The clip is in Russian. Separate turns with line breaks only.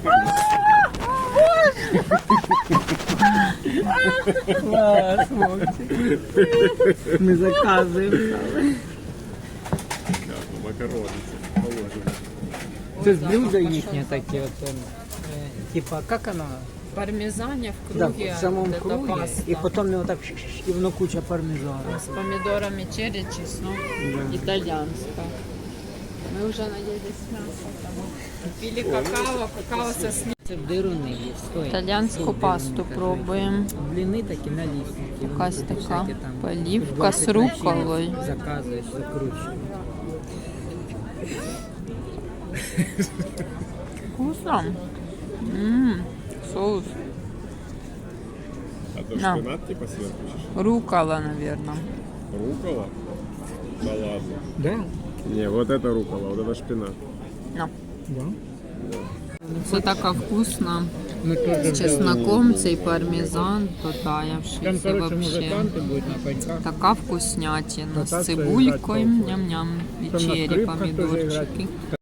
Клас, хлопці. Ми заказуємо.
Макарони. Положимо.
Це ж блюдо їхнє таке. От, типа, як воно?
Пармезаня в
Да,
круге,
в самому
вот это
круге.
паста.
І потім його так, і воно куча пармезану.
С помидорами черри, чеснок,
Да.
итальянская. Мы уже наелись мяса. Пили какао, какао со сливками.
Це дируни є. Стой.
Итальянскую
Тут
пасту
дируни,
пробуем.
Бліни такі налісники.
Якась така поливка з рукколою.
Заказуєш, закручуєш.
Вкусно. Соус.
А то
На.
шпинат типа сверху?
Руккола, наверное.
Рукола? Да ладно.
Да?
Не, вот это рукола, вот это шпинат.
На.
Да.
Це така вкусна.
Ми теж
З чесноком, цей пармезан, потаявшийся вообще.
будуть на пеньках.
Така вкуснятина з
Кататься і
цибулькою,
грати
ням-ням, і
Там на
черри,
скрипках теж
помідорчики.